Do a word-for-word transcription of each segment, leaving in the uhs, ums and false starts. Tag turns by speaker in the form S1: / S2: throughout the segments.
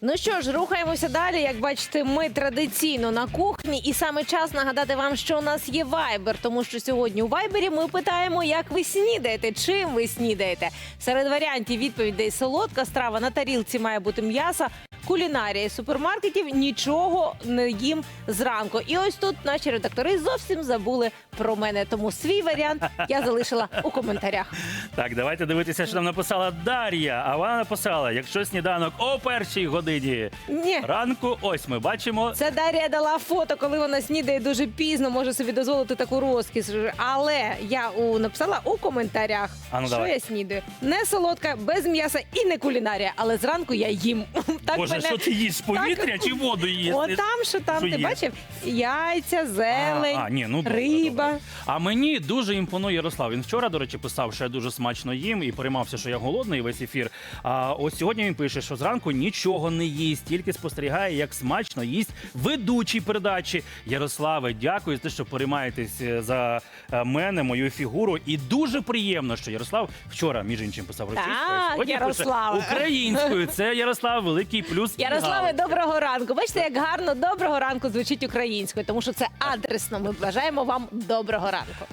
S1: Ну що ж, рухаємося далі. Як бачите, ми традиційно на кухні. І саме час нагадати вам, що у нас є Viber. Тому що сьогодні у Viber ми питаємо, як ви снідаєте, чим ви снідаєте. Серед варіантів відповідей: солодка страва, на тарілці має бути м'ясо, кулінарія із супермаркетів, нічого не їм зранку. І ось тут наші редактори зовсім забули про мене. Тому свій варіант я залишила у коментарях.
S2: Так, давайте дивитися, що нам написала Дар'я. А вона написала: якщо сніданок о першій годині
S1: Ні.
S2: ранку, ось ми бачимо.
S1: Це Дар'я дала фото, коли вона снідає дуже пізно, може собі дозволити таку розкіш. Але я у, написала у коментарях,
S2: А ну,
S1: що
S2: давай.
S1: я снідаю. Не солодка, без м'яса і не кулінарія, але зранку я їм. Так
S2: Боже,
S1: мене...
S2: що ти їш? Повітря чи воду їш?
S1: О, там, що там,
S2: Що
S1: ти
S2: є?
S1: бачив? Яйця, зелень,
S2: А, а, ні, ну, добре,
S1: риба.
S2: добре. А мені дуже імпонує Ярослав. Він вчора, до речі, писав, що я дуже смачно їм і переймався, що я голодний весь ефір. А ось сьогодні він пише, що зранку нічого не їсть, тільки спостерігає, як смачно їсть ведучий передачі. Ярославе, дякую за те, що переймаєтесь за е, мене, мою фігуру. І дуже приємно, що Ярослав вчора, між іншим, писав російською,
S1: Так,
S2: сьогодні
S1: Ярославе.
S2: пише українською. Це Ярослав, великий плюс. і
S1: Ярославе,
S2: галочка.
S1: доброго ранку. Бачите, як гарно доброго ранку звучить українською, тому що це адресно. Ми бажаємо вам доброго ранку.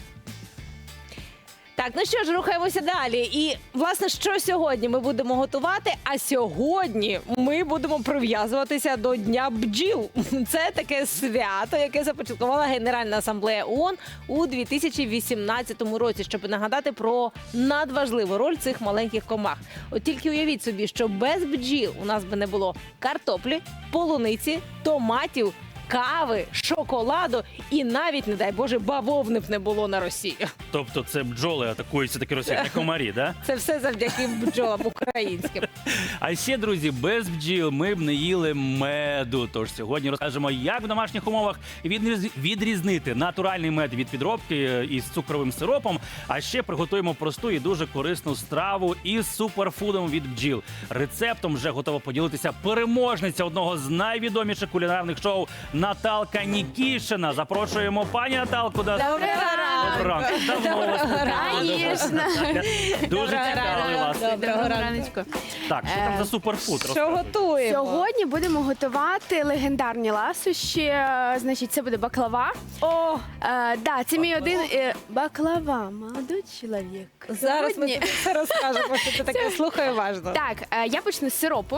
S1: Так, ну що ж, рухаємося далі. І, власне, що сьогодні ми будемо готувати? А сьогодні ми будемо прив'язуватися до Дня бджіл. Це таке свято, яке започаткувала Генеральна асамблея ООН у дві тисячі вісімнадцятому році, щоб нагадати про надважливу роль цих маленьких комах. От тільки уявіть собі, що без бджіл у нас би не було картоплі, полуниці, томатів, кави, шоколаду і навіть, не дай Боже, бавовни б не було на Росії.
S2: Тобто це бджоли атакуються такі російські комарі, да?
S1: Це все завдяки бджолам українським.
S2: А ще, друзі, без бджіл ми б не їли меду. Тож сьогодні розкажемо, як в домашніх умовах відріз- відрізнити натуральний мед від підробки із цукровим сиропом. А ще приготуємо просту і дуже корисну страву із суперфудом від бджіл. Рецептом вже готова поділитися переможниця одного з найвідоміших кулінарних шоу Наталка Нікішина. Запрошуємо пані Наталку. до-
S1: Доброго ранку.
S2: Доброго ранку. Давно вас не бачила.
S3: Конечно.
S2: Дуже цікавий вас.
S1: Доброго ранку.
S3: раночку.
S2: Так, що там
S3: Е,
S2: за суперфуд?
S1: Що
S2: Розказуй.
S1: готуємо?
S3: Сьогодні будемо готувати легендарні ласощі. Е, Значить, це буде баклава.
S1: О,
S3: Е, да, це мій один е, баклава, молодий чоловік.
S1: зараз ми
S3: Сьогодні-
S1: тобі все розкажемо, що це таке. Слухай уважно.
S3: Так, е, я почну з сиропу.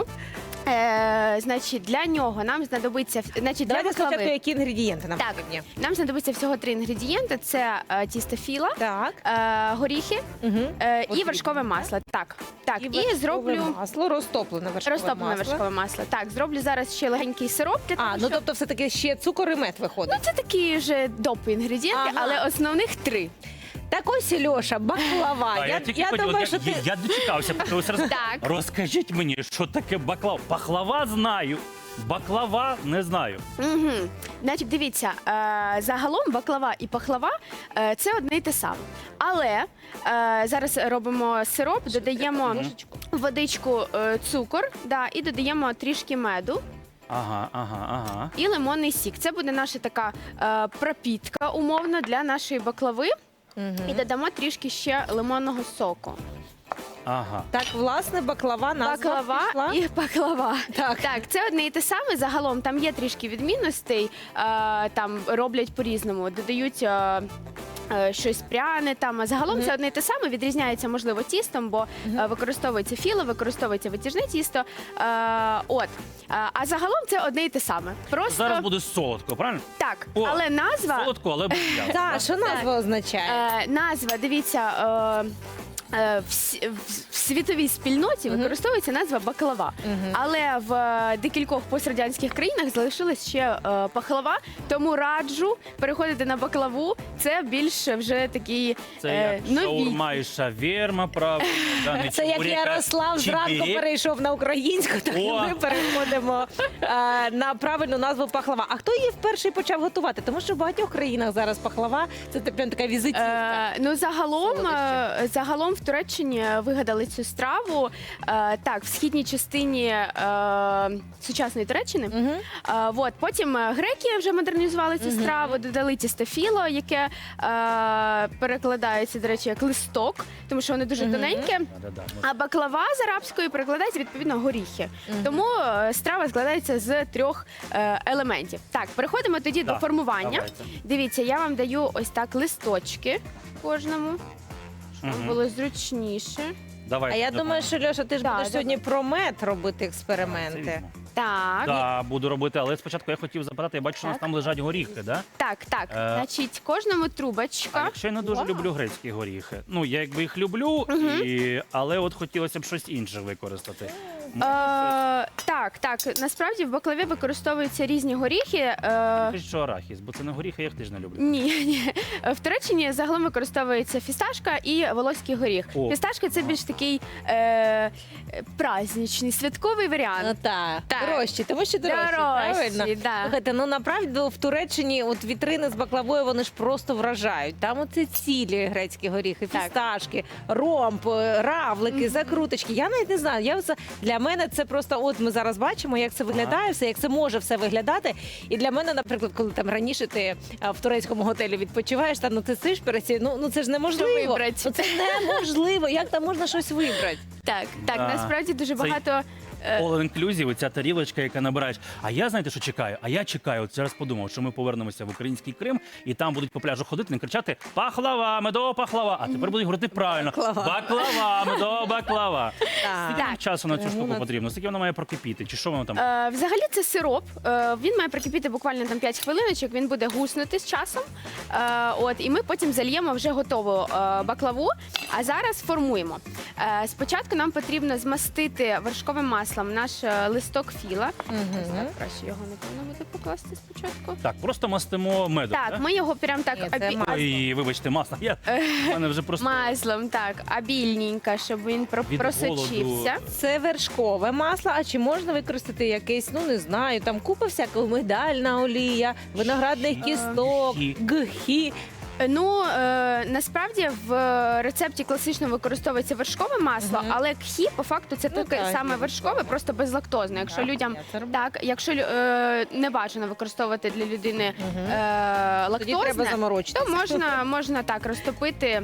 S3: Е, значить, для нього нам знадобиться значить, для
S1: Давайте спочатку,
S3: баклави.
S1: які інгредієнти нам
S3: Так,
S1: потрібні.
S3: нам знадобиться всього три інгредієнти: це е, тісто філа,
S1: Так.
S3: е, горіхи
S1: Угу.
S3: е, і
S1: Потрібно.
S3: вершкове масло. Так, так, і,
S1: вершкове
S3: зроблю
S1: масло, розтоплене вершкове
S3: розтоплене
S1: масло.
S3: вершкове масло. Так, зроблю зараз ще легенький сироп для того,
S1: А, ну
S3: щоб-
S1: тобто все-таки ще цукор і мед виходить.
S3: Ну, це такі вже допи інгредієнти,
S1: Ага.
S3: але основних три.
S1: Так ось, Льоша, баклава.
S2: А
S1: я,
S2: тільки
S1: я
S2: хотів,
S1: думаю,
S2: я,
S1: що ти...
S2: я, я дочекався, поки ви роз...
S3: Так.
S2: Розкажіть мені, що таке баклава? Пахлава знаю, баклава не знаю.
S3: Угу. Значить, дивіться, е, загалом баклава і пахлава е, це одне й те саме. Але е, зараз робимо сироп, додаємо водичку, е, цукор, да, і додаємо трішки меду
S2: Ага, ага, ага.
S3: і лимонний сік. Це буде наша така е, пропітка умовно для нашої баклави.
S1: Мгм.
S3: І додамо трішки ще лимонного соку.
S2: Ага.
S1: Так, власне, баклава назва
S3: Баклава
S1: пішла.
S3: і баклава.
S1: Так.
S3: Так, це одне і те саме. Загалом там є трішки відмінностей, е, там роблять по-різному, додають. Е, е, Щось пряне там, а загалом
S1: Мгм.
S3: це одне і те саме, відрізняється, можливо, тістом, бо е, використовується філо, використовується витяжне тісто. Е, от. Е, а загалом це одне і те саме. Просто
S2: Зараз буде солодко, правильно?
S3: так,
S2: О,
S3: але назва,
S2: Солодко, але без м'яса.
S1: Так, що назва означає?
S3: е, назва, дивіться, е, е, в, с- в- в світовій спільноті
S1: Мгм.
S3: використовується назва баклава.
S1: Мгм.
S3: Але в е, декількох пострадянських країнах залишилась ще е, пахлава, тому раджу переходити на баклаву. Це більше вже такий
S2: Це
S3: е,
S2: як
S3: нові.
S2: шаурма і шавєрма, правда. да, не
S1: Це як
S2: чебурека,
S1: Ярослав зранку
S2: чебірек.
S1: перейшов на українську, так і
S2: О!
S1: ми переходимо е, на правильну назву пахлава. А хто її вперше почав готувати? Тому що в багатьох країнах зараз пахлава це прям така візитівка.
S3: Е, ну загалом,
S1: Солодощі.
S3: е, загалом в Туреччині вигадали цю страву. Е, так, в східній частині е, сучасної Туреччини.
S1: Мгм.
S3: Е, от, потім е, греки вже модернізували цю
S1: Мгм.
S3: страву, додали тістофіло, яке е, перекладається, до речі, як листок, тому що воно дуже
S1: Мгм.
S3: тоненьке.
S2: Да-да-да.
S3: А баклава з арабської перекладається відповідно горіхи.
S1: Мгм.
S3: Тому е, страва складається з трьох е, елементів. Так, переходимо тоді
S2: Да,
S3: до формування.
S2: давайте.
S3: Дивіться, я вам даю ось так листочки кожному, щоб
S2: Мгм.
S3: було зручніше.
S2: Давайте,
S1: А я думаю,
S2: допоможемо.
S1: що Льоша, ти ж
S3: Да,
S1: будеш
S3: давай.
S1: сьогодні про мед робити
S2: Це
S1: експерименти.
S2: візьму.
S3: Так,
S2: Так, буду робити, але спочатку я хотів запитати, я бачу, що у нас
S3: Так.
S2: там лежать горіхи, да?
S3: так, так.
S2: Е,
S3: Значить, кожному
S2: А
S3: трубочка.
S2: якщо я не дуже
S1: Вау.
S2: люблю грецькі горіхи. Ну, я якби їх люблю, і... але от хотілося б щось інше використати.
S3: Е, так, так. Насправді в баклаві використовуються різні горіхи. Е,
S2: Кажуть, що арахіс, бо це не горіхи, я їх теж не люблю.
S3: Ні, ні. В Туреччині загалом використовується фісташка і волоський горіх.
S2: О.
S3: Фісташка це більш такий е, праздничний, святковий
S1: Ну
S3: варіант.
S1: так,
S3: Так.
S1: дорожчі, тому що дорожчі, правильно?
S3: Дорожчі, да.
S1: Слухайте, ну направду в Туреччині от вітрини з баклавою вони ж просто вражають. Там оце цілі грецькі горіхи,
S3: Так.
S1: фісташки, ромб, равлики, закруточки. Я навіть не знаю. Я оце, для мене це просто, от ми зараз бачимо, як це виглядає, все, як це може все виглядати. І для мене, наприклад, коли там раніше ти а, в турецькому готелі відпочиваєш, та ну ти сиш перед цією, ну, ну це ж неможливо.
S3: вибрати?
S1: Ну, це неможливо. Як там можна щось вибрати?
S3: Так, так,
S2: Да.
S3: насправді дуже
S2: Це-
S3: багато. е,
S2: All inclusive, ця тарілочка, яка набираєш. А я знаєте, що чекаю? А я чекаю, от зараз подумав, що ми повернемося в український Крим, і там будуть по пляжу ходити і кричати пахлава, медова пахлава. А тепер будуть говорити правильно.
S1: Баклава.
S2: Баклава, медова баклава. Скільки
S1: Так.
S2: нам часу на цю
S1: Тому
S2: штуку
S1: на-
S2: потрібно? Скільки вона має прокипіти? Чи що воно там?
S3: Е, взагалі це сироп. Е, він має прикипіти буквально там п'ять хвилиночок, він буде гуснути з часом. Е, от, і ми потім зальємо вже готову е, баклаву. А зараз формуємо. Е, спочатку нам потрібно змастити вершковим маслом наш е, листок філа.
S1: Мгм.
S3: Так, краще його не повинно буде покласти спочатку.
S2: Так, просто мастимо медом.
S3: Так,
S2: да?
S3: ми його прям так
S1: Ні, це
S3: обі-
S1: масло.
S2: Ой, вибачте, масло. Я в мене вже просто
S3: маслом, так, обільненько, щоб він про-
S2: Від
S3: просочився.
S2: голоду.
S1: Це вершкове масло, а чи можна використати якесь, ну не знаю, там купа всякого, мигдальна олія, виноградних кісток,
S2: Гхі.
S1: гхі.
S3: Е, Ну е, насправді в рецепті класично використовується вершкове масло,
S1: Мгм.
S3: але кхі по факту це
S1: Ну,
S3: таке
S1: так,
S3: саме
S1: є
S3: вершкове,
S1: вершкове.
S3: просто безлактозне. Якщо
S1: Так,
S3: людям
S1: я це роблю.
S3: так, якщо лю- е, не бажано використовувати для людини
S1: Мгм.
S3: е,
S1: Тоді треба
S3: лактозне,
S1: заморочитися.
S3: то можна, можна так розтопити.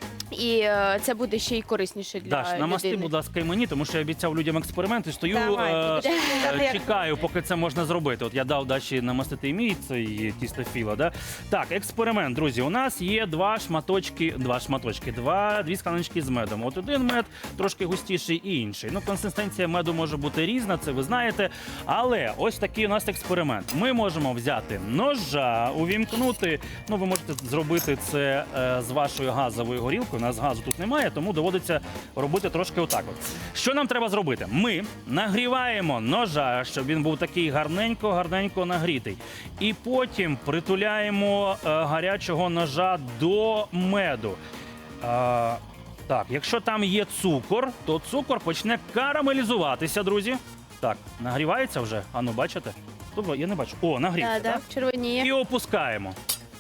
S3: І е, це буде ще й корисніше для
S2: Даш, намасти,
S3: людини.
S2: будь ласка, і мені, тому що я обіцяв людям експерименти. Стою,
S1: Давай,
S2: е,
S1: будеш розповідати,
S2: е,
S1: як-
S2: чекаю, поки це можна зробити. От я дав Даші намастити і мій цей тістофіло. Да? Так, експеримент, друзі. У нас є два шматочки, два шматочки, два, дві скляночки з медом. От один мед трошки густіший і інший. Ну, консистенція меду може бути різна, це ви знаєте. Але ось такий у нас експеримент. Ми можемо взяти ножа, увімкнути. Ну, ви можете зробити це е, з вашою газовою горілкою. У нас газу тут немає, тому доводиться робити трошки отак. От. Що нам треба зробити? Ми нагріваємо ножа, щоб він був такий гарненько-гарненько нагрітий. І потім притуляємо е, гарячого ножа до меду. Е, так, якщо там є цукор, то цукор почне карамелізуватися, друзі. Так, нагрівається вже? Ану, бачите? Добре, я не бачу. О, нагрівся,
S3: Да, да,
S2: так?
S3: червоніє.
S2: І опускаємо.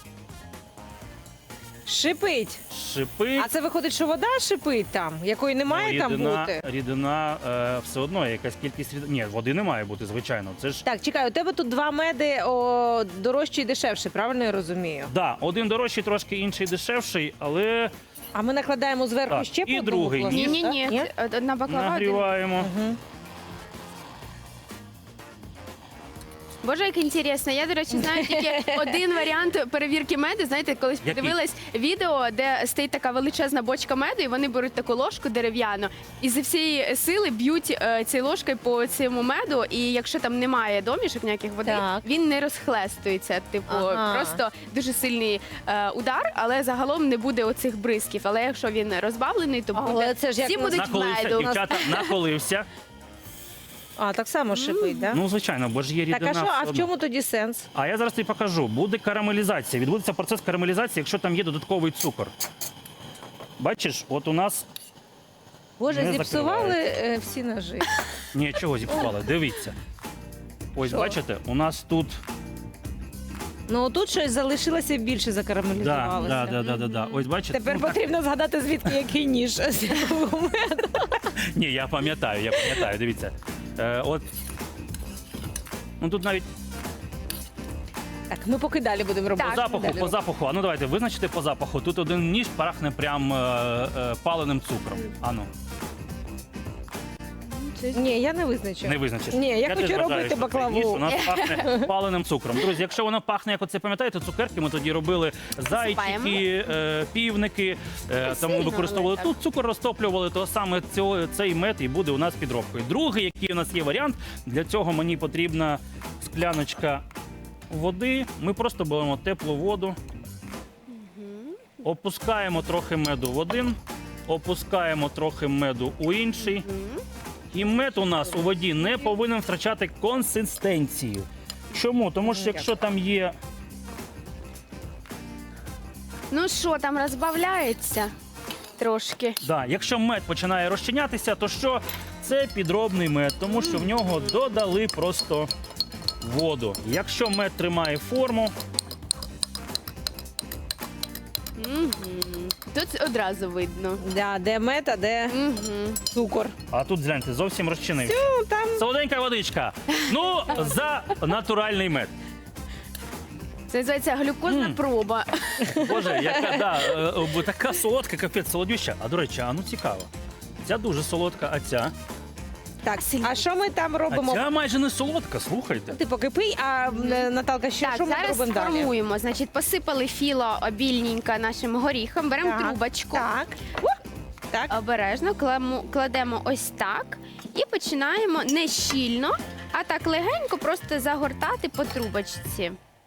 S1: Шипить.
S2: Шипить.
S1: А це виходить, що вода шипить там, якої не має там
S2: рідина,
S1: бути.
S2: рідина е, все одно якась кількість рід... Ні, води не має бути, звичайно. Це ж
S1: Так, чекай, у тебе тут два меди о, дорожчий і дешевший, правильно я розумію?
S2: да, один дорожчий, трошки інший дешевший, але
S1: А ми накладаємо зверху
S2: Так,
S1: ще
S2: і
S1: по одному
S2: другий.
S1: пласту,
S3: Ні, ні,
S1: так?
S3: ні, одна баклава. один.
S2: нагріваємо.
S1: Мгм.
S3: Боже, як інтересно. Я, до речі, знаю тільки один варіант перевірки меду. Знаєте, колись
S2: Який?
S3: подивилась відео, де стоїть така величезна бочка меду, і вони беруть таку ложку дерев'яну і зі всієї сили б'ють е, цією ложкою по цьому меду. І якщо там немає домішок ніяких води,
S1: Так.
S3: він не розхлестується. Типу,
S1: Ага.
S3: просто дуже сильний е, удар, але загалом не буде оцих бризків. Але якщо він розбавлений, то
S1: Але
S3: буде
S1: це ж як
S3: всі
S1: на-
S3: будуть
S2: Наколився,
S3: меду.
S2: дівчата, наколився.
S1: А, так само шипить, так?
S2: Ну, звичайно, бо ж є
S1: Так,
S2: рідина.
S1: а що,
S2: все
S1: а в
S2: одно.
S1: чому тоді сенс?
S2: А я зараз тобі покажу. Буде карамелізація. Відбудеться процес карамелізації, якщо там є додатковий цукор. Бачиш, от у нас.
S1: Боже,
S2: Не
S1: зіпсували е, всі ножи.
S2: Ні, чого зіпсували? Дивіться. Ось
S1: Що?
S2: бачите, у нас тут
S1: Ну тут щось залишилося більше
S2: Да,
S1: закарамелізувалося.
S2: да, да, да, да, да. Ось бачите.
S1: Тепер
S2: ну, так-
S1: потрібно згадати, звідки який ніж.
S2: Ні, я пам'ятаю, я пам'ятаю, дивіться. Е, от. Ну тут навіть
S1: Так, ми поки далі будемо робити.
S2: по запаху,
S1: Далі
S2: по запаху. А ну давайте, визначите по запаху. Тут один ніж пахне прям е, е, паленим цукром. А ну,
S1: Ні, я не визначу.
S2: не визначиш.
S1: Ні, я
S2: теж
S1: хочу
S2: вважаю,
S1: робити
S2: що цей
S1: баклаву.
S2: ніж у нас пахне паленим цукром. Друзі, якщо воно пахне, як оце пам'ятаєте, цукерки ми тоді робили зайчики, е, півники, е, там ми
S3: сильно,
S2: використовували
S3: але
S2: тут цукор розтоплювали, то саме цього, цей мед і буде у нас підробкою. Другий, який у нас є варіант, для цього мені потрібна скляночка води. Ми просто беремо теплу воду, опускаємо трохи меду в один, опускаємо трохи меду у інший. І мед у нас у воді не повинен втрачати консистенцію. Чому? Тому що якщо там є
S3: Ну що, там розбавляється трошки.
S2: Да, якщо мед починає розчинятися, то що? Це підробний мед, тому що в нього додали просто воду. Якщо мед тримає форму,
S3: Мгм. Тут одразу видно.
S1: Да, де мед, а де
S3: Мгм.
S1: цукор.
S2: а тут гляньте, зовсім розчинився.
S1: Ну, там
S2: Солоденька водичка. Ну, за натуральний мед.
S3: Це називається глюкозна
S2: Мм.
S3: проба.
S2: Боже, яка да, е, е, така солодка, капець, солодюща. А до речі, а ну цікаво. Ця дуже солодка, а ця?
S1: так. А що ми там
S2: А
S1: робимо?
S2: ця майже не солодка, слухайте.
S1: Ти поки пий, а е, Наталка, що,
S3: Так,
S1: що ми
S3: зараз
S1: робимо далі?
S3: сформуємо. Значить, посипали філо обільненько нашим горіхом, беремо
S1: Так,
S3: трубочку.
S1: Так. У, так.
S3: Обережно кламу- кладемо ось так і починаємо не щільно, а так легенько просто загортати по трубочці.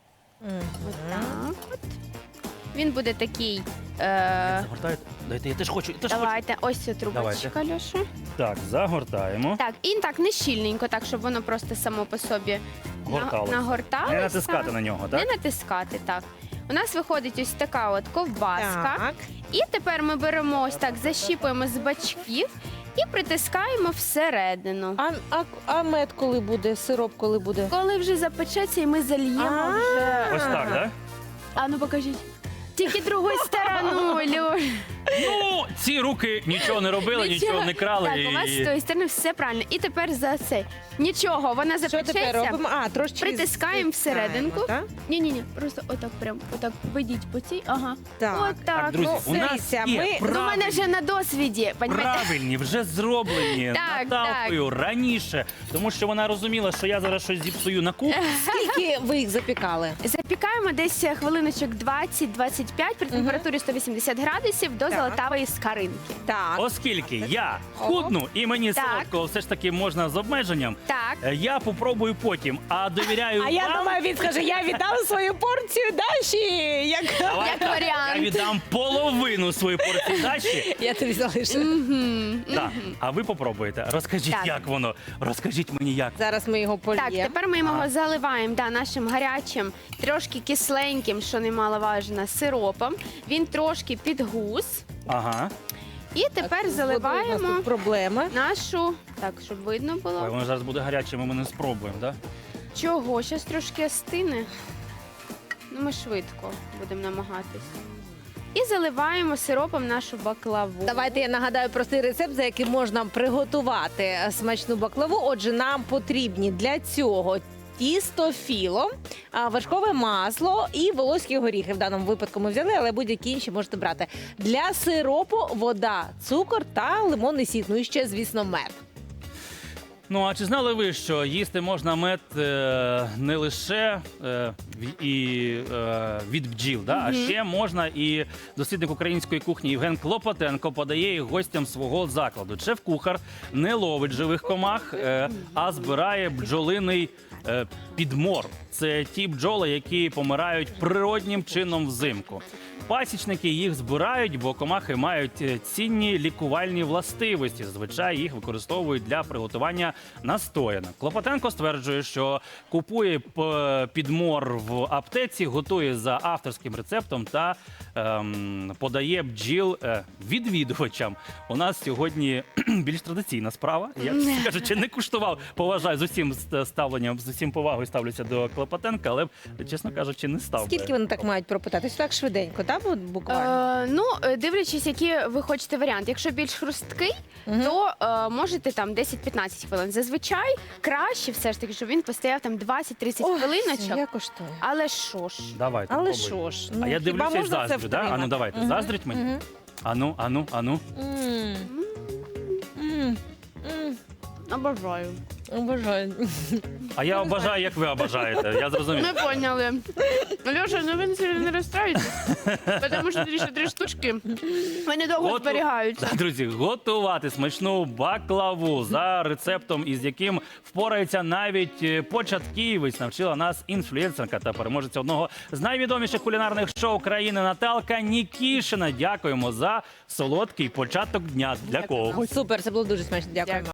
S3: Отак от. Він буде такий. Е-
S2: Загортаєте? Дайте, я теж хочу. Я теж хочу.
S3: давайте, ось ця трубочка, Льоша.
S2: Так, загортаємо.
S3: Так, і так не щільненько, так, щоб воно просто само по собі на-
S2: Горталося.
S3: нагорталося.
S2: Не натискати на нього,
S3: Не
S2: так?
S3: натискати, так. У нас виходить ось така от ковбаска.
S1: Так.
S3: І тепер ми беремо ось так, защіпуємо з бачків і притискаємо всередину.
S1: А, а, а мед коли буде? Сироп коли буде?
S3: Коли вже запечеться, і ми зальємо
S1: А.
S3: вже.
S2: Ось так, так?
S3: А ну покажіть. Тільки другою стороною, Льош.
S2: Ну, ці руки нічого не робили, нічого не крали.
S3: Так, у вас з
S2: і...
S3: тої сторони все правильно. І тепер за це. Нічого, вона
S1: Що тепер
S3: запечеться.
S1: робимо? А, трошки
S3: Притискаємо всерединку.
S1: так?
S3: Ні-ні-ні, просто отак прям, отак ведіть по цій. Ага.
S1: Так.
S3: Отак.
S2: Так, друзі,
S1: ну,
S2: у нас
S1: дивіться,
S2: є
S1: ми-
S3: Ну, у мене
S2: правильні,
S3: вже на досвіді, понімаєте?
S2: правильні, вже зроблені
S3: Так,
S2: Наталкою раніше, тому що вона розуміла, що я зараз щось зіпсую на кухні.
S1: Скільки ви їх запікали?
S3: Запікаємо десь хвилиночок двадцять-двадцять п'ять при температурі сто вісімдесят градусів до
S1: Так.
S3: золотавої скаринки.
S1: Так.
S2: Оскільки я худну і мені
S3: Так.
S2: солодкого все ж таки можна з обмеженням,
S3: Так.
S2: е, я попробую потім, а довіряю
S1: А я
S2: вам.
S1: думаю, він скаже, я віддав свою порцію Даші. Як...
S2: Давай
S3: Як
S2: так,
S3: варіант.
S2: Я віддам половину своєї порції дачі.
S1: Я тобі залишу.
S3: Мгм.
S2: Так, а ви попробуєте. Розкажіть,
S3: Так.
S2: як воно. Розкажіть мені, як.
S1: Зараз ми його
S3: Так,
S1: польємо.
S3: тепер ми його
S2: Ага.
S3: заливаємо да, нашим гарячим, трошки кисленьким, що немаловажно, сиропом. Він трошки підгус.
S2: Ага.
S3: І тепер
S1: з водою у нас
S3: заливаємо
S1: тут проблеми.
S3: нашу. Так, щоб видно
S2: Ой,
S3: було.
S2: воно зараз буде гаряче, ми не спробуємо, так?
S3: Чого? Зараз трошки остине. Ну, ми швидко будемо намагатись. І заливаємо сиропом нашу баклаву.
S1: Давайте я нагадаю простий рецепт, за яким можна приготувати смачну баклаву. Отже, нам потрібні для цього тісто філо, а, вершкове масло і волоські горіхи. В даному випадку ми взяли, але будь-які інші можете брати. Для сиропу вода, цукор та лимонний сік. Ну і ще, звісно, мед.
S2: Ну а чи знали ви, що їсти можна мед е, не лише е, в- і, е, від бджіл, да? а ще можна і дослідник української кухні Євген Клопотенко подає їх гостям свого закладу. Шеф-кухар не ловить живих комах, е, а збирає бджолиний е, підмор. Це ті бджоли, які помирають природнім чином взимку. Пасічники їх збирають, бо комахи мають е, цінні лікувальні властивості. Зазвичай їх використовують для приготування настоянок. Клопотенко стверджує, що купує п- підмор в аптеці, готує за авторським рецептом та ем, подає бджіл е, відвідувачам. У нас сьогодні більш традиційна справа. Я, чесно кажучи, не куштував, поважаю з усім ст- ставленням, з усім повагою ставлюся до Клопотенка, але, чесно кажучи, не став. би.
S1: Скільки вони так мають пропитатись? Так швиденько, так? Бу- Буквально.
S3: Е, ну, е, дивлячись, який ви хочете варіант. Якщо більш хрусткий,
S1: Мгм.
S3: то е, можете там десять-п'ятнадцять хвилин. Зазвичай краще все ж таки, щоб він постояв там двадцять-тридцять
S1: Ой,
S3: хвилиночок.
S1: Я коштую.
S3: Але що ж?
S2: Давайте,
S1: Але
S2: пробуй.
S1: що ж?
S2: А я
S1: хіба
S2: дивлюся і
S1: можна це
S2: заздрю, да? Ану,
S1: втримати?
S2: давайте,
S1: Мгм.
S2: заздріть мені?
S1: Мгм.
S2: Ану, ану, ану.
S1: М. М. М.
S3: Обожаю.
S1: Обожаю.
S2: А я обожаю, як ви обожаєте. Я зрозумів.
S3: Ми поняли. Льоша, ну ви не- не розстраюйтесь, тому що ще три штучки. Вони довго
S2: Готу-
S3: зберігаються.
S2: Да, друзі, готувати смачну баклаву за рецептом, із яким впорається навіть е, початківець, навчила нас інфлюенсерка та переможеця одного з найвідоміших кулінарних шоу країни Наталка Нікішина. Дякуємо за солодкий початок дня для когось.
S1: Супер, це було дуже смачно. Дякуємо.